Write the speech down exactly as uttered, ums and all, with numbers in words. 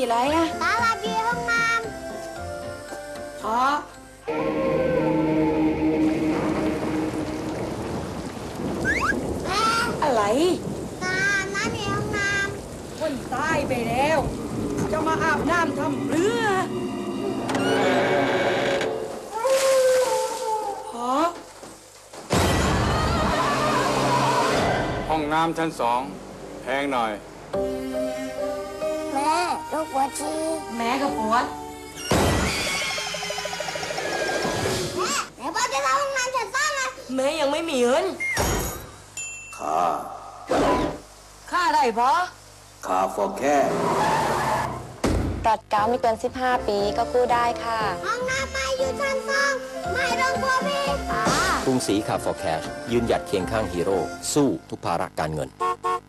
ไรอะตาหลับอยู่ห้องน้ำอ๋ออะไรตาน้ำอยู่ห้องน้ำคนตายไปแล้วจะมาอาบน้ำทำเรือฮะห้องน้ำชั้นสองแพงหน่อยำแม่ลูกปวดฉี่แม่กับปวดแม่ไหนบอกจะเข้าห้องน้ำชั้นสองอะแม่ยังไม่มีเงินค่าค่าอะไรพอค่าฟอแค่ปลอดเกล้าไม่เกินสิบห้าปีก็กู้ได้ค่ะห้องน้ำไม่อยู่ชั้นสองไม่ต้องกลัวพี่อ่ากรุงศรีคาร์ฟอร์แคชยืนหยัดเคียงข้างฮีโร่สู้ทุกภาระการเงิน